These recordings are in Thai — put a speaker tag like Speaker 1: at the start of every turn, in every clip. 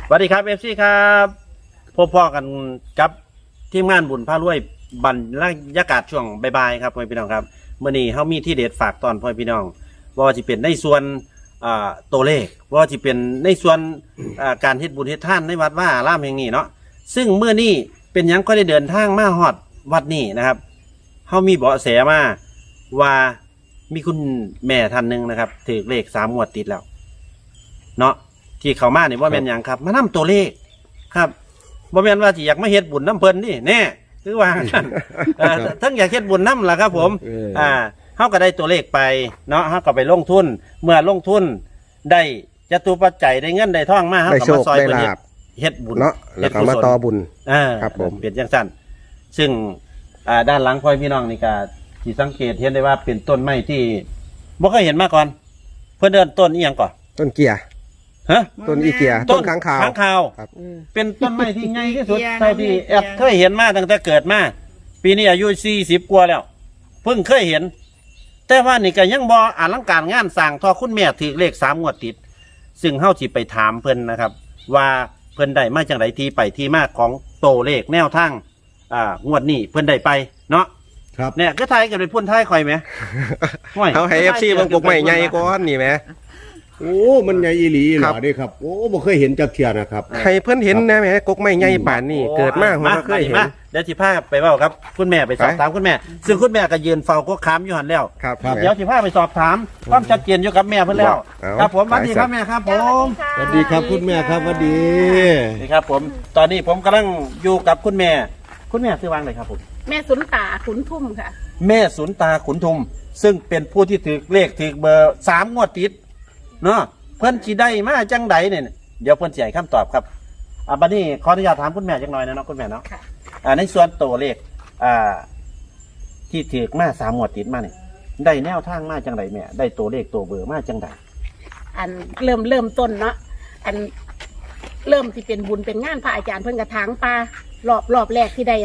Speaker 1: สวัสดีครับFC ครับพบพ่อกันกับทีมงานบุญพารวยบรรยากาศช่วงบ่ายๆครับพ่อพี่น้องครับเมื่อนี้เขามีที่เด็ดฝากตอนพ่อพี่น้องว่าจะเป็นในส่วนตัวเลขว่าจะเป็นในส่วนการเฮ็ดบุญเฮ็ดท่านในวัดว่าอารามแห่งนี้เนาะซึ่งเมื่อนี้เป็นยังก็ได้เดินทางมาฮอดวัดนี้นะครับเขามีเบาะแสมาว่ามีคุณแม่ท่านหนึ่งนะครับถือเลข3 งวดติดแล้วเนาะที่เขามาเนี่ยว่าแม่นอย่างครับมานำตัวเลขครับว่าแม่นว่าที่อยากมาเฮ็ดบุญน้ำเพลินนี่แน่คือว่า ทั้งอยากเฮ็ดบุญน้ำล่ะครับผมเขาก็ได้ตัวเลขไปเนาะเขาก็ไปลงทุนเมื่อลงทุนได้จตุปัจจัยได้เงินได้ทองมาเขาก็มาซอยเป็นเฮ็ดบุญ
Speaker 2: เนาะแล้วก็มาต่อบุญ
Speaker 1: ครับผมเปลี่ยนจังสั้นซึ่งด้านหลังพ่อพี่น้องนี่ก็ที่สังเกตเห็นได้ว่าเป็นต้นไม้ที่บ่เคยเห็นมาก่อนเพื่อเดินต้นอีหยังก่อน
Speaker 2: ต้นเกียร์
Speaker 1: ฮะ
Speaker 2: ต้นอีเกียร์ต้นค้างคาว
Speaker 1: ครับเป็นต้นไม้ที่ใหญ่ที่สุดเท่าที่แอบเคยเห็นมาตั้งแต่เกิดมาปีนี้อายุ40 กว่าแล้วเพิ่งเคยเห็นแต่ว่านี่ก็ยังบ่อลังการงานสร้างทอคุณแม่ถือเลข3 งวดติดซึ่งเฮาสิไปถามเพิ่นนะครับว่าเพิ่นได้มาจังไดที่ไปที่มาของโตเลขแนวทางงวดนี้เพิ่นได้ไปเนาะ
Speaker 3: ครับ
Speaker 1: เนี่ยก็ทายกันไปพุ่นทายข่อยไหม
Speaker 2: เขาให้ FC บางกกใหม่ใหญ่ก้อนนี่ไหม
Speaker 3: โอ้มันใหญ่อีหลีเหรอดิครับโอ้บ่เคยเห็นจักเทียนะครับ
Speaker 2: ให้เพื่อนเห็นนะแม่กกใหม่ใหญ่ป่านนี่เกิดมากผมก็เคยเห็น
Speaker 1: เดี๋ยวสิพาไปเว้าครับคุณแม่ไปสอบถามคุณแม่ซึ่งคุณแม่ก็ยืนเฝ้าก็ค้ำอยู่หันแล้วเดี๋ยวสิพาไปสอบถามความชัดเจนอยู่กับแม่เพิ่นแล้วครับผมสวัสดีครับแม่ครับผม
Speaker 3: สวัสดีครับคุณแม่ครับสวัสดี
Speaker 1: นี่ครับผมตอนนี้ผมกำลังอยู่กับคุณแม่ชื่อว่าอะไรครับผม
Speaker 4: แม่สุนตาขุนทุ่มค่ะ
Speaker 1: แม่สุนตาขุนทุมซึ่งเป็นผู้ที่ถือเลขถือเบอร์3 งวดติดเนาะเพิ่นสิได้มาจังใดเนี่ยเดี๋ยวเพิ่นสิให้คำตอบครับบัดนี้ขออนุญาตถามคุณแม่จักหน่อยนะเนาะคุณแม่เนาะในส่วนตัวเลขที่ถือมา3 งวดติดมาเนี่ยได้แนวทางมาจังใดแม่ได้ตัวเลขตัวเบอร์มาจังใด
Speaker 4: อันเริ่มต้นเนาะอันเริ่มที่เป็นบุญเป็นงานพระอาจารย์เพิ่นกระถางปลารอบแรกที่ได้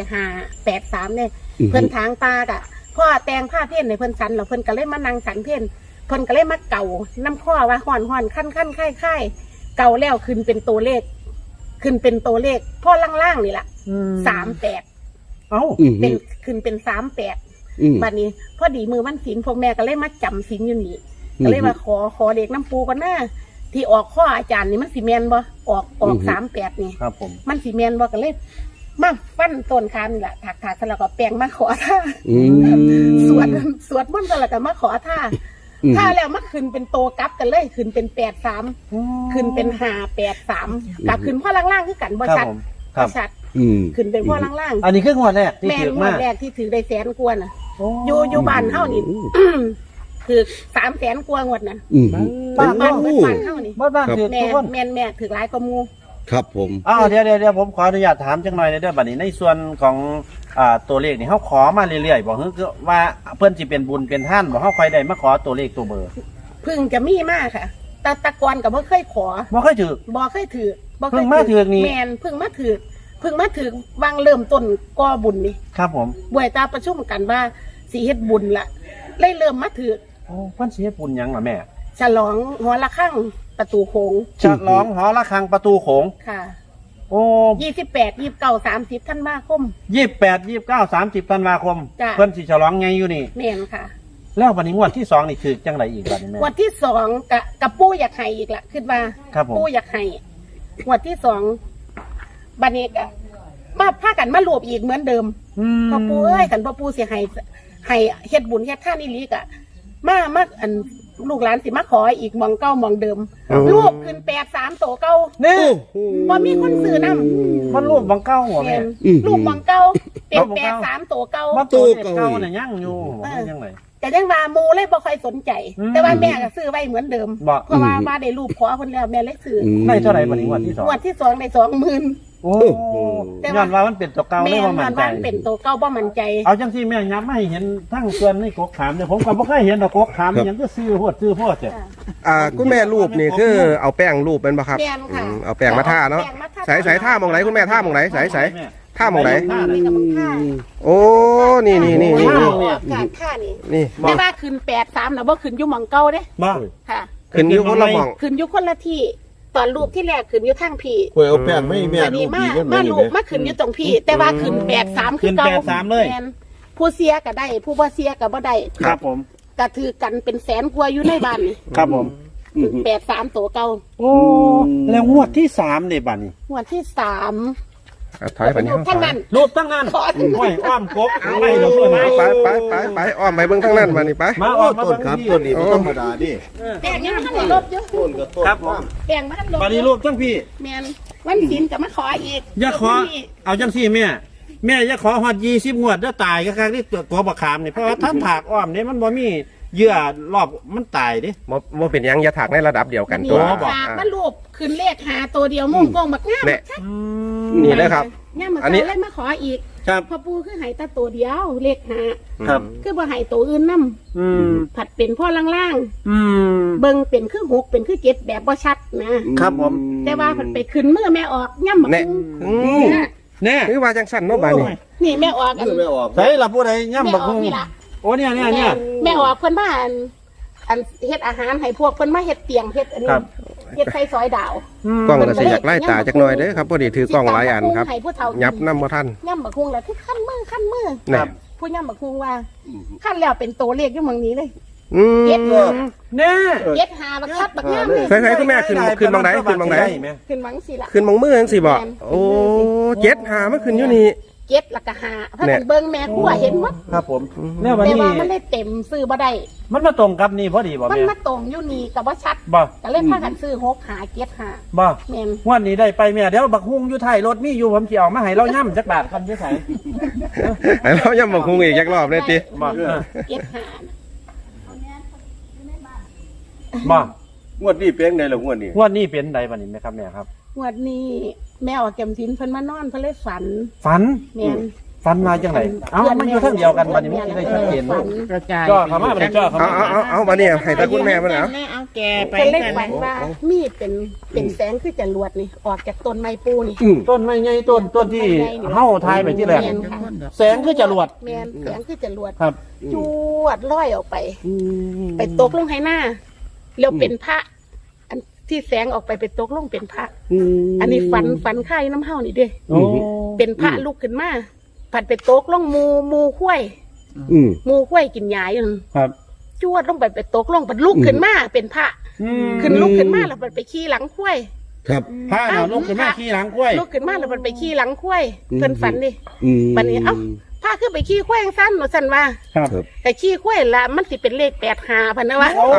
Speaker 4: 583เนี่ยเพิ่นถางปลากะพ่อแต่งผ้าเพ่นในเพิ่นสันแล้วเพิ่นก็เลยมานั่งสันเพ่นเพิ่นก็เลยมาเก่าน้ำข้อว่าห่อนขั้นค่ายเก่าแล้วขึ้นเป็นตัวเลขพ่อล่างๆนี่แหละ38เป็นขึ้นเป็น38บัดนี้พอดีมือวันศีลพวกแม่ก็เลยมาจำศีลอยู่นี่ก็เลยมาขอเด็กน้ำปูก่อนหน้าที่ออกข้ออาจารย์นี่มันสีแมนบ่ออก38นี่
Speaker 1: ครับผม
Speaker 4: มันสีแมนบ่ก็เลยมาฟันต้นคานนี่แหละถักแล้วก็แปลงมาขอท่าสวดมนต์แล้วก็มาขอท่าแล้วมันขึ้นเป็นโตกลับกันเลยขึ้นเป็น83ขึ้นเป็น583กับขึ้นพ่อล่างๆคือกันบ่ชัดขึ้นเป็นพ่อล่าง
Speaker 1: ๆอันนี้คืองวดแรกที่ถือมา
Speaker 4: แม่งวดแรกที่ถือได้100,000 กว่าน่ะอยู่บ้านเฮานี่ถือ300,000 กว่างวดน่ะบ้านเฮานี่
Speaker 1: บ้านถือทุกคน
Speaker 4: แม่ถือหลายกว่าหมู่
Speaker 3: ครับผม
Speaker 1: เดี๋ยวผมขออนุญาตถามจังหน่อยในเรื่องบัดนี้ในส่วนของตัวเลขนี่เขาขอมาเรื่อยๆบอกคือว่าเพื่อนสิเป็นบุญเป็นท่านบอกเขาคอยได้มาขอตัวเลขตัวเบอร์
Speaker 4: พึ่งจะมีมากค่ะตะกอนกับบ่เคยขอ
Speaker 1: บ่เคยถือเพิ่งมาถือนี่
Speaker 4: แมนเพิ่งมาถือวางเริ่มต้นก่อบุญนี่
Speaker 1: ครับผม
Speaker 4: บ่อยตาประชุมกันว่าสิเฮ็ดบุญละเลยเริ่มมาถือ
Speaker 1: เพิ่นสิเฮ็ดบุญหยังล่ะแม่
Speaker 4: ฉลองหอระฆังประตูโขง
Speaker 1: ฉลองหอระฆังประตูโขง
Speaker 4: ค่ะโอ้28 29 30ธันวาคม
Speaker 1: 28 29 30ธันวาคมเพิ่นสิฉลองไงอยู่นี่
Speaker 4: แม่นค่ะ
Speaker 1: แล้วบัดนี้งวดที่2นี่คือจังไดอีกบัดนี้แม่
Speaker 4: งวดที่2กับปู่อยากให้อีกละคิดว่าปู่อยากให้งวดที่2บัดนี้ก็มาพากันมารวบอีกเหมือนเดิมพ่อปู่เอ้ยกันพ่อปู่สิให้เฮ็ดบุญเฮ็ดทานอีหลีกะมาอันลูกหลานสิมาขออีกมองเก้ามองเดิมรูปขึ้น83โตเก้า
Speaker 1: นี่
Speaker 4: บ่มีคนซื้อนำ
Speaker 1: มันรูปมองเก้าหัวแม่
Speaker 4: รูปมองเก้าเป็น83โตเก้า
Speaker 1: ตัวเก้าน่ะยังอยู่ยังไง
Speaker 4: แต่ยังว่าหมู่เลยบ่ค่อยสนใจแต่ว่าแม่ก็ซื้อไว้เหมือนเดิมเพราะว่าได้รูปขอเพิ่นแล้วแม่เลยซื้อ
Speaker 1: ได้เท่าไหร่บัดนี้งวดที่2
Speaker 4: ได้20,000โอ้
Speaker 1: ย้อนว่ามันเป็นตัวเก่าไม่ว่ามันใจ
Speaker 4: เป็นตัวเก่าบ่มั่นใจ
Speaker 1: เอาจังที่แม่ย้ำไม่เห็นทั้งส่วนในกกขามเนี่ยผมก็บ่เคยเห็นดอกกกขามอย่างก็ซื้อโพดจ้ะ
Speaker 2: คุณแม่รูปนี่คือเอาแป้งรูปเป็นป่ะครับเอาแป้งมาท่าเนาะใส่ท่ามองไหนคุณแม่ท่ามองไหนใส่ท่ามองไหนโอ้นี่
Speaker 4: ท่านี่แต่ว่าขึ้น83น่ะบ่ขึ้นอยู่หม่องเก่าเด้
Speaker 1: บ่
Speaker 4: ค่ะ
Speaker 2: ขึ้นอยู่คนละหม่อง
Speaker 4: ขึ้นอยู่คนละที่ตอนรูปที่แรกขึ้นอยู่ทางพี่
Speaker 3: ควยเอาแป้งไม่แม่
Speaker 4: อัน
Speaker 3: ลู
Speaker 4: นี้
Speaker 3: ก
Speaker 4: มา
Speaker 3: ดีกัน
Speaker 4: มา
Speaker 3: นี่
Speaker 4: รู
Speaker 3: แห
Speaker 4: ป
Speaker 3: ม
Speaker 4: มาขึ้นอยู่ตรงพี่ แต่ว่าขึ้น83คือเก่า
Speaker 1: ขึ้น83เลย
Speaker 4: แม่นผู้เสียก็ได้ ผู้บ่เสียก็บ่ได้
Speaker 1: ครับผม
Speaker 4: ก็ถือกันเป็นแสนกว่าอยู่ในบ้านนี่
Speaker 1: ครับผม
Speaker 4: 83ตัวเก่า
Speaker 1: โอ้แล้วงวดที่3เนี่ยบัดนี้
Speaker 4: งวดที่3
Speaker 2: ถอยไปนี่
Speaker 4: ทั้งนั้น
Speaker 1: รูปตั้งนั้น
Speaker 4: ขอ
Speaker 1: ห้อยอ้อมกบไม่เราเพื่อนมา
Speaker 2: ไปอ้อมไปเบิ่งทางนั้นมานี่ไป
Speaker 1: มาอ
Speaker 3: โอ้
Speaker 1: อกมา
Speaker 3: ต้นครับต้นนี้บ่ธรรมดาดิ
Speaker 4: แป้งยังบ่ทันได้ลบอยู่
Speaker 3: ต้นก็ต้น
Speaker 1: ครับผม
Speaker 4: แป้งบ่ทันลบ
Speaker 1: บัดนี้รูปตั้งพี่
Speaker 4: แม่นวันศีลก็มาขออีก
Speaker 1: อย่าขอเอาจังซี่แม่อย่าขอฮอด20งวดแล้วตายก็ครั้งที่ตัวบักขามนี่เพราะว่าถ้าผากอ้อมนี่มันบ่มีเยื่อรอบมันตายดิ
Speaker 2: บ่เป็นหยังอย่าถักในระดับเดียวกันตัว
Speaker 4: นี่ฝากมารูปขึ้นเลขหาตัวเดียวมุ่งกงบักงาม
Speaker 2: เนี่ยนี่เลยครับ
Speaker 4: งามมา
Speaker 2: อันนี้
Speaker 4: เล่นมาขออีก
Speaker 1: ครับ
Speaker 4: พ่อปู่คือให้แตาตัวเดียวเลขหา
Speaker 1: ครับ
Speaker 4: คือบ่ให้ตัวอื่นนํ
Speaker 1: อืม
Speaker 4: ผัดเป็นพ่อล่าง
Speaker 1: อืม
Speaker 4: ๆเบิ่งเป็นคือ6เป็นคือ7แบบบ่ชัดนะครับ
Speaker 1: ผม
Speaker 4: แต่ว่าผัดไปขึ้นมือแม่ออกย่ำบัก
Speaker 2: เนี่ย
Speaker 4: เนี่ย
Speaker 1: แน่
Speaker 2: คือว่าจังสั่นเนาะบาดนี้
Speaker 4: นี่แม่ออกอัน
Speaker 3: เพื่อไม่ออก
Speaker 1: ใส่ละผู้ใดย่ำบักฮุง
Speaker 4: แม่ออกนี่ล่ะ
Speaker 1: โอ้เนี่ย
Speaker 4: แม่ออกเพิ่นมาอันเฮ็ดอาหารให้พวกเพิ่นมาเฮ็ดเตียงเฮ็ดอันนี้
Speaker 1: ครับ
Speaker 4: เฮ็ดไส้ซอยดาว
Speaker 2: กล้องก็สิอยากไล่ตาจักหน่อยเด้อครับพอดีถือกล้องหลายอันครับ
Speaker 4: ให้ผู้เฒ่ากิน
Speaker 2: ยับน้ำบ่ทัน
Speaker 4: ย่ำบักฮุงแล้วคือขั้นมือ
Speaker 2: เนี่ย
Speaker 4: ผู้ย่ำบักฮุงว่าขั้นแล้วเป็นตัวเลขอยู่เมืองนี้เลย
Speaker 2: อืม
Speaker 4: เย็ดเลย
Speaker 1: แน่
Speaker 4: เย็ดหาบักคัดบักงามเลย
Speaker 2: ใส่ๆคุณแม่ขึ้นบังไดขึ้นบังได
Speaker 4: ขึ้นหวังสิล่ะ
Speaker 2: ขึ้นมองมือจังสิบ่โอ้เจ็ดหามันขึ้นอยู่นี่
Speaker 4: เย็ดแล้วก็หาเพราะมันเบิ่งแม่กูเห็นว่า
Speaker 1: ครับผมแน่วัน
Speaker 4: แต่
Speaker 1: นี้
Speaker 4: ว่ามันได้เต็มซื้อบ่ได้
Speaker 1: มันมาตรงกับนี่พอดีบ่
Speaker 4: มัน
Speaker 1: แม่
Speaker 4: มาตรงอยู่นี่กับว่าชัด
Speaker 1: บ่
Speaker 4: ก็เลยพากันซื้อ6หาเจ็ดหา
Speaker 1: บ่
Speaker 4: แม่น
Speaker 1: งวันนี้ได้ไปแม่เดี๋ยวบักฮุงอยู่ท้ายรถมีอยู่ผมสิเอามาให้เราย่ำจักบาทกันอยู่ไส
Speaker 2: ให้เรายังบ่คงอีกจักรอบเลยติ
Speaker 1: บ่
Speaker 4: เจ็ดหา
Speaker 1: บ่
Speaker 3: งวดนี้เป็นไงล่ะงวดนี้
Speaker 1: งวันนี้เป็นใดบัดนี้แม่ครับแม่ครับ
Speaker 4: งวดนี้แม่ออกแกมสินเพิ่นมานอนเพิ่นเลยฝัน
Speaker 1: ฝัน
Speaker 4: แม่น
Speaker 1: ฝันมาจังไหนเอ้ามันอยู่ทั้งเดียวกันบัดนี้มันสิได้ชัดเจน
Speaker 4: ฝัน
Speaker 5: กระจาย
Speaker 1: จ่อเข้ามาบัดนี้จ่อเข้ามา
Speaker 2: เอาบัดนี้ให้ตาคุณแม่เพิ่นเอา
Speaker 5: เอาแกไป
Speaker 4: เพิ่นเลย
Speaker 5: กัน
Speaker 4: ฝันว่ามีดเป็นแสงคือจรวดนี่ออกจากต้นไม้ปูนี่
Speaker 1: ต้นไม้ใหญ่ต้นที่เฮาทายไปที่แรก
Speaker 4: แม่นค่ะ
Speaker 1: แสงคือจรวด
Speaker 4: แม่นแสงคือจรวด
Speaker 1: ครับ
Speaker 4: จวดลอยออกไป ไปตกลงให้หน้าแล้วเป็นพระ อันที่แสงออกไปไปตกลงเป็นพระ อันนี้ฝันค่ายน้ำเฮานี่เด้
Speaker 1: โอ้
Speaker 4: เป็นพระลุกขึ้นมาผัดไปตกลงมูข้วย
Speaker 3: อืม
Speaker 4: มูข้วยกินยาอยู่นั่น
Speaker 1: ครับ
Speaker 4: จวดลงไปตกลงผัดลุกขึ้นมาเป็นพระ
Speaker 1: อืม
Speaker 4: ขึ้นลุกขึ้นมาแล้วมันไปขี่หลังข้วย
Speaker 3: ครับ
Speaker 1: ผ้าน่ะลุกขึ้นมาขี่หลังกล้วย
Speaker 4: ลุกขึ้นมาแล้วมันไปขี่หลังข้วยเพิ่นฝันดิ
Speaker 3: อืม
Speaker 4: บัดนี้เอ้า พาขึ้นไปขี้ข้วยสั้นหนูสันว่า
Speaker 1: ครับ
Speaker 4: แต่ขี้ข้วยละมันสิเป็นเลข85พันนะวะ
Speaker 2: เอา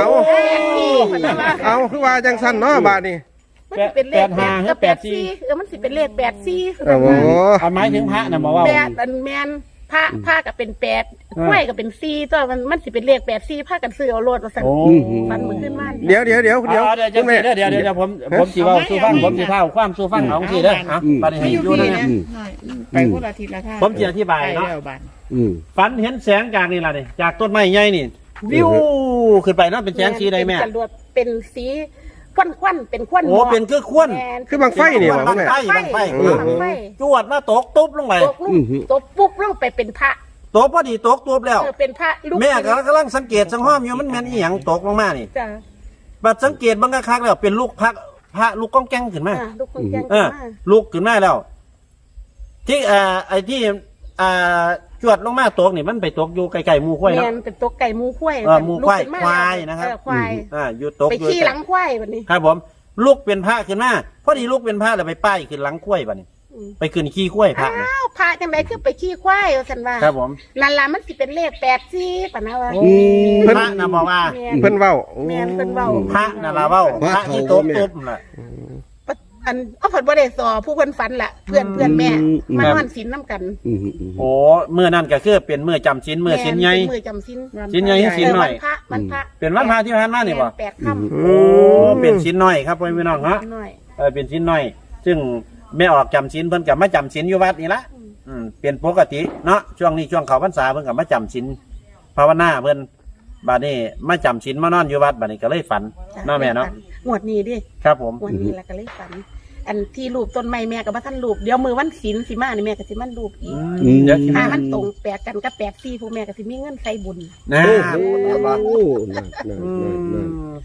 Speaker 4: 84พันนะวะ
Speaker 2: เอาคือว่าจังสั่นเนาะบาดนี้
Speaker 4: มันสิเป็นเลข
Speaker 1: 85
Speaker 4: กับ
Speaker 1: 84
Speaker 4: 84มันสิเป็นเลข84
Speaker 2: โอ้โห
Speaker 1: เอาไม้ถึงพระน่ะมาว่า
Speaker 4: แปดอันแมนผ้าก็เป็น8ข้วยก็เป็น4ตัวมันสิเป็นเลข84ผ้ากันซื้อเอาโลดว่าซั่น
Speaker 1: โอ้
Speaker 4: ฟันมือขึ้นมา
Speaker 2: เดี๋ยว
Speaker 1: เดี๋ยว
Speaker 2: คุ
Speaker 1: เดี๋
Speaker 2: ณ
Speaker 1: ยว
Speaker 2: แม่
Speaker 1: เดี๋ยวผมสิเว้าสู่ฟังผมสิเท่าความสู่ฟังเอาสิเด้ออ่ะบัดนี้
Speaker 5: ไม่
Speaker 1: ให้
Speaker 5: อยู่
Speaker 1: อยู่
Speaker 5: พี่
Speaker 1: นะ
Speaker 5: นะไปคนละทิศละทาง
Speaker 1: ผมสิอธิบายเนาะ
Speaker 5: ไปแล้วบ้าน
Speaker 3: อืม
Speaker 1: ฝันเห็นแสงจากนี่ล่ะนี่จากต้นไม้ใหญ่นี่วิวขึ้นไปเนาะเป็นแสงสีใดแม่
Speaker 4: เป็นจรวดเป็นสีควันเป็นควัน
Speaker 1: โอ้เป็นคือควน
Speaker 4: แม่น
Speaker 2: คือบังไฟนี่หว่าคุณแม่
Speaker 1: บังไฟ
Speaker 4: บังไฟ
Speaker 1: จวดมาตกตุ๊บลงไป
Speaker 4: ตกลูกตกปุ๊บลงไปเป็นพระ
Speaker 1: ตกพอดีตกตุ๊บแล้ว
Speaker 4: เป็นพระลูก
Speaker 1: แม่ก็กำลังสังเกตสังห้อมอยู่มันแม่นอีหยังตกลงมานี่
Speaker 4: จ้ะ
Speaker 1: บัดสังเกตบางครั้งแล้วเป็นลูกพระลูกก้องแก้งขึ้นมา
Speaker 4: ลูกคนแจ้ง
Speaker 1: เออ
Speaker 4: มา
Speaker 1: ลูกขึ้นมาแล้ว ที่ไอ้ที่จวดลงมาตกนี่มันไปตกอยู่ไกลๆหมู่ข้อยเนาะ
Speaker 4: แม่นเป็นตัวไก่หมูควาย
Speaker 1: หมู่ควาย
Speaker 4: ลูกขึ้นม
Speaker 1: ควายนะครับ
Speaker 4: ควาย
Speaker 1: อยู่ตก
Speaker 4: ไป
Speaker 1: อยู่
Speaker 4: ขี้หลังควายแบบนี้
Speaker 1: ครับผมลูกเป็นพระขึ้นมาพอดีลูกเป็นพระแล้วไปป้ายขึ้นหลังข้อยบัดนี้
Speaker 4: อืม
Speaker 1: ไปขึ้นขี้ข้อยพระนี่
Speaker 4: อ้าวพระจังไดคือไปขี้ควายว่าซั่นว่า
Speaker 1: ครับผม
Speaker 4: นั่นล่ะมันสิเป็นเลข84ปะนะว่า
Speaker 1: พระนะบอกว่า
Speaker 4: แม่น
Speaker 2: เพิ่นเว้า
Speaker 4: แม่นเพิ่นเว้า
Speaker 1: พระนะละเว้าพระที่ตกตุ๊บน่ะ
Speaker 4: อันเอาเพิ่นบ่ได้สอผู้เพิ่นฝันล่ะเพื่อนแม่มานอนศีลนํกัน
Speaker 3: อืม
Speaker 1: โอ้เมื่อนั้นก็คือเป็นเมื่อจำศีลเมื่อศีลใหญ่
Speaker 4: เป็นมือจำศีล
Speaker 1: ศีลใหญ่ให้ศีลหน่อย
Speaker 4: วันพระ
Speaker 1: เป็นวันพระที่ผ่านมานี่บ่
Speaker 4: แปดค่ำ
Speaker 1: โอ้เป็นศีลน้อยครับพ่อพี่น้องเนาะ
Speaker 4: หน่อย
Speaker 1: เป็นศีลน้อย ซึ่งแม่ออกจำศีลเพิ่นก็มาจำศีลอยู่วัดนี่ละเป็นปกติเนาะช่วงนี้ช่วงเข้าพรรษาเพิ่นก็มาจำศีลภาวนาเพิ่นบัดนี้มาจำศีลมานอนอยู่วัดบัดนี้ก็เลยฝันเนาะแม่เนาะ
Speaker 4: งวดนี้ดิ
Speaker 1: ครับผม
Speaker 4: งวดนี้แล้วก็เลยฝัน อันที่รูปต้นไม้แม่ก็บ่ทันรูปเดี๋ยวมือวันศีลสิมานี่แม่ก็สิมันรูปอีก
Speaker 1: เดี๋ยวสิ
Speaker 4: ถ้า
Speaker 1: มา
Speaker 4: มันตรงแปดกันกับ84ผู้แม่ก็สิมีเงินใส่บุญ
Speaker 1: นะ
Speaker 3: โอ้โหนั่น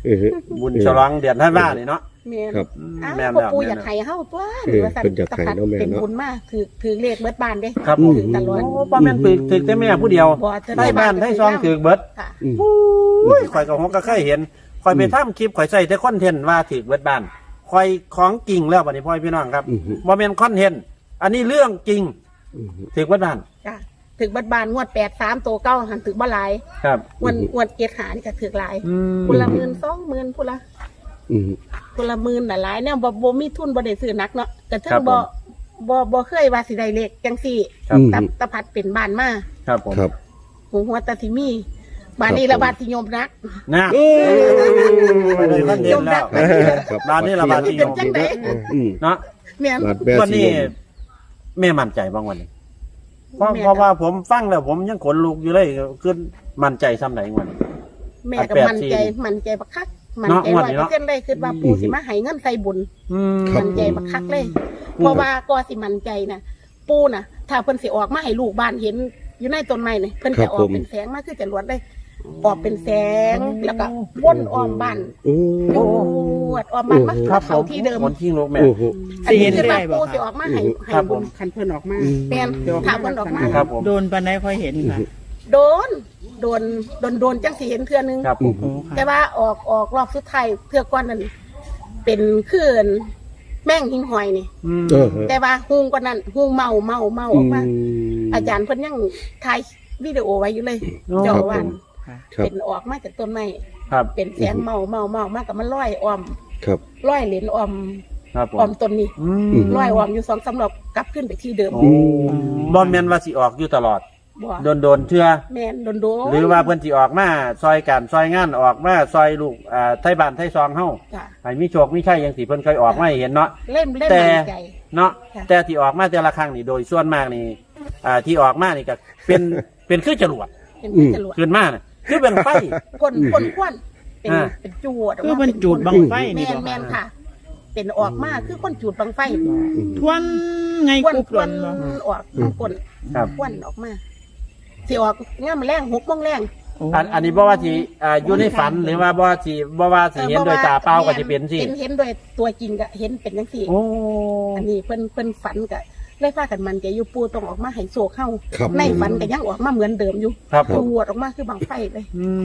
Speaker 1: บุญฉลองเดือนธันวานี่เนาะ
Speaker 4: แม่น
Speaker 3: ครับ
Speaker 4: อ้าว
Speaker 1: แม่น
Speaker 4: พ่อ
Speaker 1: แล้ว
Speaker 4: ปู่
Speaker 1: แม่น
Speaker 4: อยากให้เฮาตัว
Speaker 3: เออ
Speaker 4: ว่าซั่น
Speaker 3: เพิ่นอยากให้เนาะแม่เนาะ
Speaker 4: เป็นบุญมากถือเลขเบิดบ้านเด้
Speaker 1: ครับผม
Speaker 4: ถือตลอด
Speaker 1: โอ้ป้าแม่นถึกแต่แม่ผู้เดียว
Speaker 4: บ่จะ
Speaker 1: ได้บ้านได้ซองถือเบิด
Speaker 4: ค่ะ
Speaker 1: อุ้ยข่อยกับฮกก็เคยเห็นข่อยไปทำคลิปข่อยใส่แต่คอนเทนต์ว่าถือเบิดบ้านข่อยของจริงแล้วบัดนี้พ่อพี่น้องครับบ่แม่นคอนเทนต์อันนี้เรื่องจริงถือเบิดบ้าน
Speaker 4: จ้ะถึกเบิดบ้านงวด83ตัวเก้าหันถึกบ่หลาย
Speaker 1: ครับ
Speaker 4: งวดเกตหานี่ก็ถึกหลาย
Speaker 1: อืม
Speaker 4: คนละ10,000 20,000พุ่นละ
Speaker 3: อืม
Speaker 4: คนละ10,000น่ะหลายแนวบ่มีทุนบ่ได้ซื้อหนักเนาะก็ถึงบ่เคยว่าสิได้เลขจังซี่
Speaker 1: ครับ
Speaker 4: ตะพัดเป็นบ้านมา
Speaker 1: ครับผม
Speaker 3: ครับ
Speaker 4: หัวตาสิมีบ้านนี้ละบาดสิโยมนัก
Speaker 1: นะไปเลยคอนเทนต์แล้ว
Speaker 3: ครับ
Speaker 1: บ้านนี้ละบาทที่
Speaker 4: เป็นจังได๋
Speaker 1: เนาะ
Speaker 4: แม่น
Speaker 3: บาดแบ
Speaker 1: วัน
Speaker 3: สี
Speaker 1: นี้แม่มั่นใจบ้างวันนี้เพราะ
Speaker 4: แม่
Speaker 1: เพราะว่าผมฟังแล้วผมยังขนลุกอยู่เลยคือมั่นใจซ้ำไหนวันนี้
Speaker 4: แม่ก็มั่นใจบักคักมั่นใจ
Speaker 1: เนาะงวดนี้เนาะ
Speaker 4: 100%เลยคือว่าปู่สิมาให้เงินใส่บุญ
Speaker 1: อืม
Speaker 4: มั่นใจบักคักเลย เพราะว่าก็สิมั่นใจน่ะปู่น่ะ ถ้าเพิ่นสิออกมาให้ลูกบ้านเห็นอยู่ในต้นไม้นี่เพิ่นจะออกเป็นแสงมาคือจรวดเลยออกเป็นแสงแล้วก็วนอ้อมบ้าน
Speaker 3: โอ้
Speaker 4: จวดอ้อมบ้านมา
Speaker 1: ครับผ
Speaker 4: เข้าม ที่เดิม
Speaker 1: คนที่ลุกแม่
Speaker 3: โอ้โห
Speaker 4: อันนี้คือว่าปู่สิออกมาให้
Speaker 1: ครับผม
Speaker 4: ญ
Speaker 5: คันเพิ่นออกมา
Speaker 4: แม่นถ้าเพิ่นออกมา
Speaker 1: ครับผม
Speaker 5: โดนปันไดค่อยเห็นค่ะ
Speaker 4: โดนจังสิเห็นเทื่อนึง
Speaker 1: ครับผม
Speaker 5: โอ้ค่ะ
Speaker 4: แต่ว่าออกรอบสุดท้ายเทื่อก่อนนั้นเป็นคลื่นแม่งหิงหอยนี่
Speaker 1: อืม
Speaker 3: เออ
Speaker 4: แต่ว่าฮูงกว่านั้นฮูงเมาออกมา อาจารย์เพิ่นยังถ่ายวิดีโอไว้อยู่เลย เจ้าอาวัน
Speaker 3: ครับ
Speaker 4: เป็นออกมาจากต้นไม้
Speaker 1: ครับ
Speaker 4: เป็นแสงเมามากกับมันลอยอ้อม
Speaker 3: ครับ
Speaker 4: ลอยเหรียญอ้อม
Speaker 1: ครับผม
Speaker 4: อ้อมต้นนี้
Speaker 1: อืม
Speaker 4: ลอยอ้อมอยู่2-3รอบกลับขึ้นไปที่เดิม
Speaker 1: โอ้บอลแมนว่าสิออกอยู่ตลอด
Speaker 4: บ่
Speaker 1: โดนเชื่อ
Speaker 4: แม่นโดน
Speaker 1: หรือว่าเพิ่นสิออกมาซอยกันซอยงานออกมาซอยลูกไทยบ้านไทยซองเฮา
Speaker 4: จ้ะ
Speaker 1: ให้มีโชคมีชัยจังสิเพิ่นเคยออกมาให้เห็นเนาะ
Speaker 4: เล่น
Speaker 1: แต่
Speaker 4: มั่นใจ
Speaker 1: เนาะ
Speaker 4: ค่ะ
Speaker 1: แต่ที่ออกมาแต่ละครั้งนี่โดยส่วนมากนี่ที่ออกมานี่ก็เป็นคือจรวด
Speaker 4: เป็นที่จรวด
Speaker 1: ขึ้นมาน่ะคือเป็นไฟ
Speaker 4: คนควันเป็น
Speaker 1: อ่า
Speaker 4: เป็นจวดก
Speaker 5: คือ
Speaker 4: มา
Speaker 5: มันจูดบังไฟนี่
Speaker 4: แม่น
Speaker 5: บ่
Speaker 4: แม่นค่ะ เป็นออกมาคือคนจูดบังไฟ
Speaker 5: ทวนไง
Speaker 4: ควัน
Speaker 5: กุบ
Speaker 4: ค
Speaker 5: หล่
Speaker 4: วัน
Speaker 5: นบ่
Speaker 4: ออกคน
Speaker 1: ครับ
Speaker 4: ควันออกมาสิออกงามแรง6:00 นแรง
Speaker 1: อันนี้บ่ว่าสิอยู่ในฝันหรือว่าบ่ว่าสิเห็นโดยตาเปล่าก็สิเป็นสิ
Speaker 4: เห็นโดยตัวจริงก็เห็นเป็นจังซี่
Speaker 1: โอ้
Speaker 4: อันนี้เพิ่นฝันก็เลยพากันมันใจอยู่ปูต้องออกมาให้โศกเข้า
Speaker 3: ครับ
Speaker 4: ในฝันก็ยังออกมาเหมือนเดิมอยู่
Speaker 1: ครับผม
Speaker 4: ปวดออกมาคือบังไฟเลย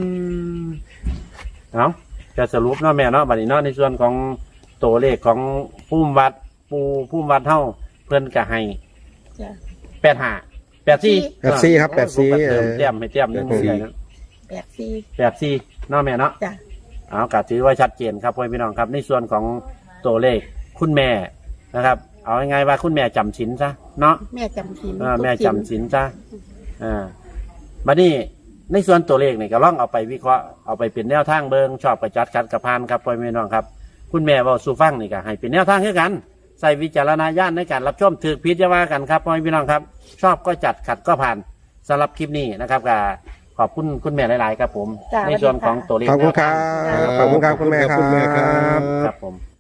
Speaker 1: เอาจะสรุปเนาะแม่เนาะบัดนี้เนาะในส่วนของตัวเลขของผู้วัดเฮาเพิ่นก็ให้
Speaker 4: จ้ะ
Speaker 1: 85 84
Speaker 2: 84ครับ84
Speaker 1: เตรียมให้เตรียมนึงใหญ่นะ
Speaker 4: 84
Speaker 1: 84เนาะแม่เนาะ
Speaker 4: จ้ะ
Speaker 1: เอาก็ถือว่าชัดเจนครับพ่อพี่น้องครับ ในส่วนของตัวเลขคุณแม่นะครับ เอาง่ายๆว่าคุณแม่จำศีลซะเนาะ
Speaker 4: แม่จำศีล
Speaker 1: แม่จำศีลซะบัดนี้ในส่วนตัวเลขนี่ก็ลองเอาไปวิเคราะห์เอาไปเป็นแนวทางเบิงชอบกระจัดขัดกระพานครับพ่อพี่น้องครับ คุณแม่เว้าสู่ฟังนี่ก็ให้เป็นแนวทางคือกันใส่วิจารณญาณในการรับชมถือพิจารณากันครับพ่อพี่น้องครับ ชอบก็จัดขัดก็ผ่านสำหรับคลิปนี้นะครับก็ขอบคุณคุณแม่หลาย ๆ ครับผม
Speaker 4: จ้ะ
Speaker 1: ในส่วนของตัวเลข
Speaker 2: ขอบคุณครับ ขอบคุณครับคุณแม่ค
Speaker 3: ขอบคุณแม่ครั
Speaker 2: รับ
Speaker 3: บ
Speaker 1: ครับผม